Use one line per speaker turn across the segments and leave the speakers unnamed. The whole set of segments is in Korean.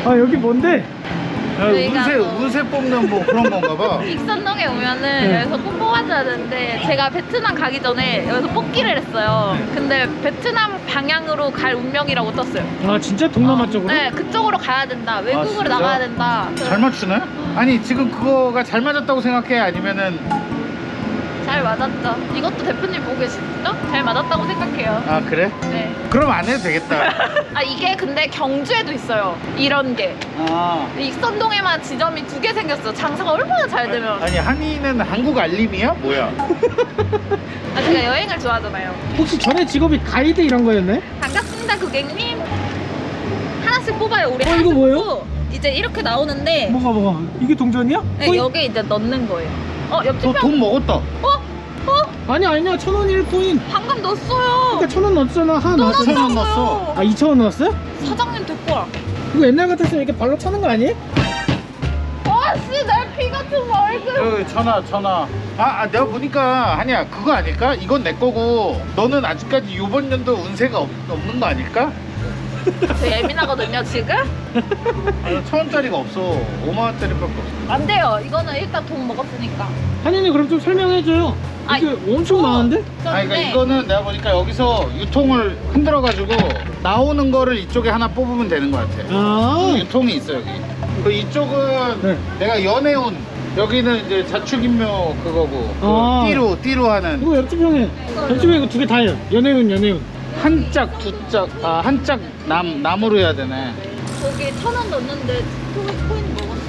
아 여기 뭔데?
저희가
운세 뽑는 뭐 그런 건가 봐.
익선동에 오면은
네.
여기서 꼭 뽑아줘야 되는데 제가 베트남 가기 전에 여기서 뽑기를 했어요. 근데 베트남 방향으로 갈 운명이라고 떴어요.
아 진짜 동남아 쪽으로?
네, 그쪽으로 가야 된다. 외국으로
진짜?
나가야 된다.
잘 맞추네? 아니 지금 그거가 잘 맞았다고 생각해? 아니면은
잘 맞았죠. 이것도 대표님 보고 계시죠? 잘 맞았다고 생각해요.
아 그래?
네.
그럼 안 해도 되겠다.
아 이게 근데 경주에도 있어요. 이런 게.
아
익선동에만 지점이 2개 생겼어. 장사가 얼마나 잘 되면.
아니 한이는 한국 알림이야? 뭐야?
아 제가 여행을 좋아하잖아요.
혹시 전에 직업이 가이드 이런 거였네?
반갑습니다 고객님. 하나씩 뽑아요. 우리
이거
하나씩
뭐예요?
뽑고 이제 이렇게 나오는데
뭐가 이게 동전이야?
네,
코인?
여기 이제 넣는 거예요. 옆집
너
형.
돈 먹었다.
아니야 1,000원 1코인.
방금 넣었어요.
그러니까 1,000원 넣었잖아. 하나 넣었어.
2,000원 넣었어.
아 2,000원 넣었어요?
사장님 데리고 와.
이거 옛날 같았으면 이렇게 발로 차는 거 아니에요?
와씨 내 피 같은 얼굴.
여기 전화. 내가 보니까 한이야 그거 아닐까? 이건 내 거고 너는 아직까지 이번 연도 운세가 없는 거 아닐까?
저 예민하거든요 지금.
1,000원짜리가 없어. 5만원짜리밖에 없어.
안 돼요. 이거는 일단 돈 먹었으니까.
한이는 그럼 좀 설명해줘요.
아,
이게 엄청 많은데?
그러니까 이거는 내가 보니까 여기서 유통을 흔들어가지고 나오는 거를 이쪽에 하나 뽑으면 되는 것 같아.
아
유통이 있어 여기. 그 이쪽은
네.
내가 연애운. 여기는 이제 자축인묘 그거고.
아.
그 띠로 하는.
이거 옆집 형에 이거 2개 다 해요. 연애운.
한 짝, 두 짝, 한 짝 남으로 해야 되네.
저기 1,000원 넣었는데 코인 먹었어.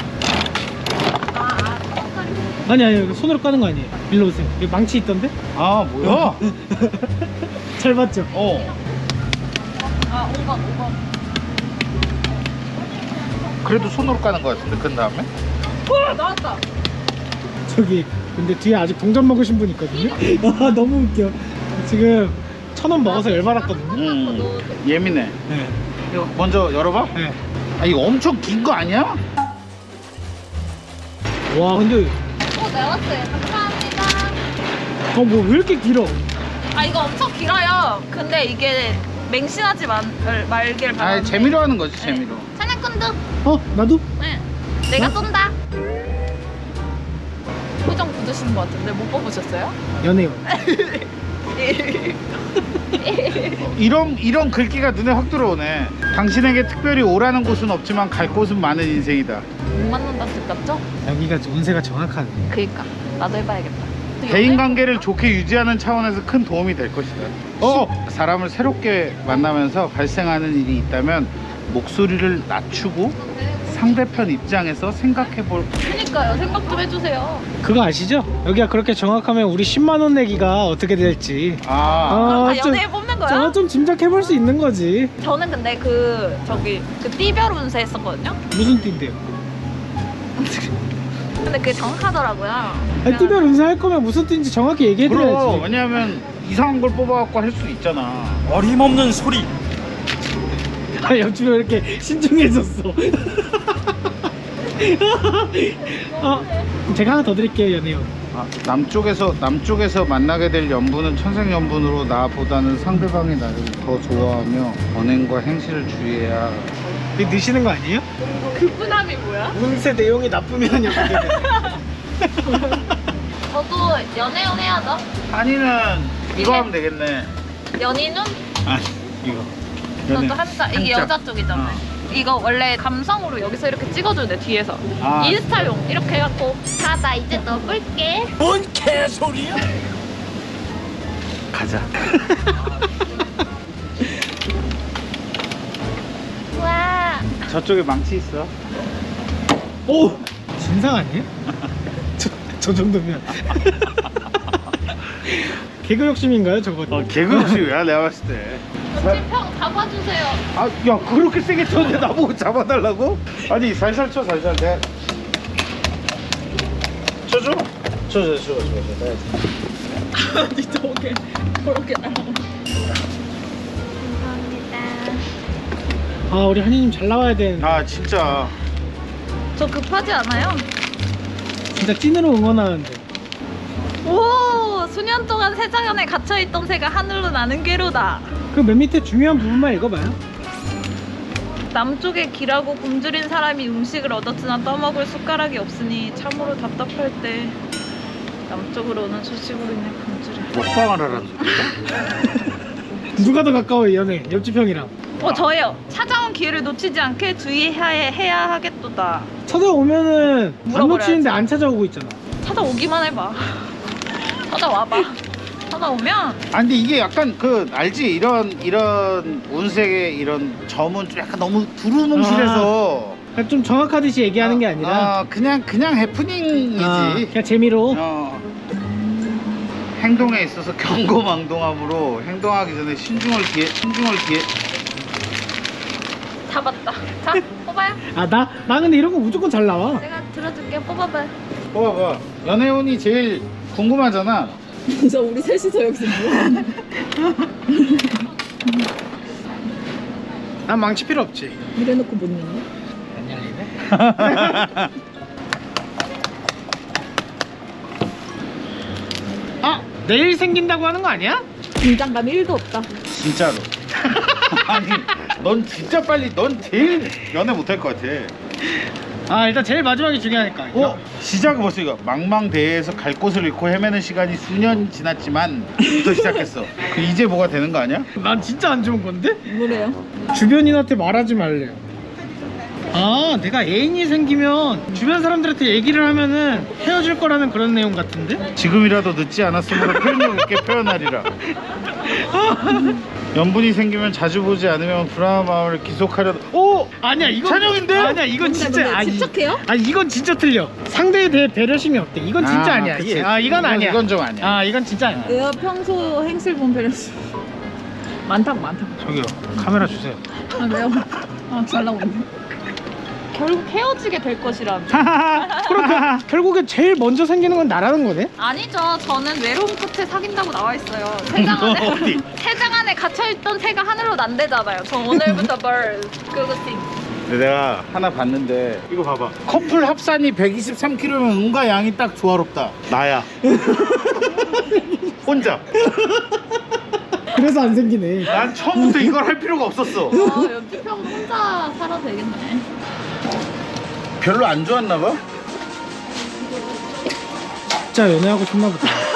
아니 이거 손으로 까는 거 아니에요. 일로 오세요. 여기 망치 있던데?
아, 뭐야?
잘 봤죠?
어.
5번.
그래도 손으로 까는 거 같은데, 그 다음에?
나왔다.
저기 근데 뒤에 아직 동전 먹으신 분 있거든요. 아 너무 웃겨. 지금 1,000원 먹어서 열받았거든요.
예민해.
네.
이거 먼저 열어봐.
네.
아, 이거 엄청 긴 거 아니야?
와 근데
나왔어요. 감사합니다.
뭐 왜 이렇게 길어?
아 이거 엄청 길어요. 근데 이게 맹신하지 말길 바랍니다.
아, 재미로 하는 거지, 재미로.
사냥꾼드.
나도?
네. 내가 쏜다. 표정 굳으시는 것 같은데 못 뽑으셨어요?
연애운.
이런 글귀가 눈에 확 들어오네. 당신에게 특별히 오라는 곳은 없지만 갈 곳은 많은 인생이다.
못 만난다 뜻 같죠?
여기가 운세가 정확하네.
그니까 나도 해봐야겠다.
대인 관계를 좋게 유지하는 차원에서 큰 도움이 될 것이다. 사람을 새롭게 만나면서 발생하는 일이 있다면 목소리를 낮추고 상대편 입장에서 생각해볼.
그니까요. 생각 좀 해주세요.
그거 아시죠? 여기가 그렇게 정확하면 우리 10만 원 내기가 어떻게 될지.
그럼 다
좀-
연예인 뽑는 거야?
좀 짐작해볼 수 있는 거지.
저는 근데 그 띠별 운세 했었거든요.
무슨 띠인데요?
근데 그게 정확하더라고요.
아니, 띠별 운세 할 거면 무슨 띠인지 정확히
그럼
얘기해드려야지.
왜냐하면 이상한 걸 뽑아갖고 할 수 있잖아.
어림없는 소리.
옆집에 왜 이렇게 신중해졌어. 제가 하나 더 드릴게요, 연애운.
남쪽에서 만나게 될 연분은 천생연분으로 나보다는 상대방이 나를 더 좋아하며 언행과 행실을 주의해야.
이게 넣으시는 거 아니에요?
그분함이 뭐야?
운세 내용이 나쁘면 이렇게 되네.
저도 연애운 해야죠.
한이는 이거
이게-
하면 되겠네.
연인운?
아니 이거.
저도 한자. 이게
한자.
여자 쪽이잖아요. 이거 원래 감성으로 여기서 이렇게 찍어주는데 뒤에서
아.
인스타용 이렇게 해갖고 나 이제 넣어볼게.
뭔 개소리야?
가자.
와.
저쪽에 망치 있어.
오! 진상 아니에요? 저 정도면. 개그 욕심인가요, 저거?
개그 욕심이야 내가 봤을 때.
옆집형 잡아주세요.
야 그렇게 세게 쳤는데 나보고 잡아달라고? 아니 살살 쳐 살살. 내가 쳐줘? 쳐.
아니 저게 저렇게 나와. 감사합니다.
우리 한이님 잘 나와야 되는데.
아 진짜.
저 급하지 않아요?
진짜 찐으로 응원하는데.
오, 수년 동안 세자연에 갇혀있던 새가 하늘로 나는 괴로다.
그 맨 밑에 중요한 부분만 읽어봐요.
남쪽에 길하고 굶주린 사람이 음식을 얻었으나 떠먹을 숟가락이 없으니 참으로 답답할 때 남쪽으로 오는 소식으로 인해 굶주려.
먹방을 하라는 소리야?
누가 더 가까워요 연애 옆집 형이랑?
저예요. 찾아온 기회를 놓치지 않게 주의해야 하겠도다.
찾아오면은 안
물어버려야지.
놓치는데 안 찾아오고 있잖아.
찾아오기만 해봐. 찾아와봐. 찾아오면
아 근데 이게 약간 그 알지? 이런 운색의 이런 점은 좀 약간 너무 두루뭉실해서
그러니까 좀 정확하듯이 얘기하는 게 아니라
그냥 해프닝이지.
그냥 재미로.
행동에 있어서 경고망동함으로 행동하기 전에 신중을 기해.
잡았다. 자, 뽑아요.
나 근데 이런 거 무조건 잘 나와.
내가 들어줄게. 뽑아봐.
봐봐. 연애운이 제일 궁금하잖아.
진짜 우리 셋이서 여기서 뭐하냐?
난 망치 필요 없지.
이래놓고 못 넣네.
안 열리네. 내일 생긴다고 하는 거 아니야?
긴장감 1도 없다.
진짜로. 아니, 넌 진짜 넌 제일 연애 못할 것 같아.
일단 제일 마지막이 중요하니까.
시작은 벌써 이거 망망대해에서 갈 곳을 잃고 헤매는 시간이 수년 지났지만 부터 시작했어. 이제 뭐가 되는 거 아니야?
난 진짜 안 좋은 건데?
뭐래요?
주변인한테 말하지 말래요. 내가 애인이 생기면 주변 사람들한테 얘기를 하면은 헤어질 거라는 그런 내용 같은데?
지금이라도 늦지 않았으므로 표현력 있게 표현하리라. 연분이 생기면 자주 보지 않으면 불안한 마음을 기속하려.
아니야 이건
찬영인데?
아니야 이건 진짜
집착해요?
이건 진짜 틀려. 상대에 대해 배려심이 없대. 이건 진짜 아니야.
그치.
이건 아니야.
이건 좀 아니야.
이건 진짜 아니야.
내가 평소 행실 본 배려심 많다고.
저기요, 카메라 주세요.
왜요? 잘 나오네. 결국 헤어지게 될 것이라며.
그러니까 결국에 제일 먼저 생기는 건 나라는 거네.
아니죠. 저는 외로움 끝에 사귄다고 나와 있어요. 세장 안에
어디?
세장 안에 갇혀있던 새가 하늘로 난대잖아요. 저 오늘부터 bird 그거 띵.
근데 내가 하나 봤는데 이거 봐봐. 커플 합산이 123kg면 음과 양이 딱 조화롭다. 나야. 혼자.
그래서 안 생기네.
난 처음부터 이걸 할 필요가 없었어.
옆집 형 혼자 살아도 되겠네.
별로 안 좋았나 봐.
진짜 연애하고 싶나 보다.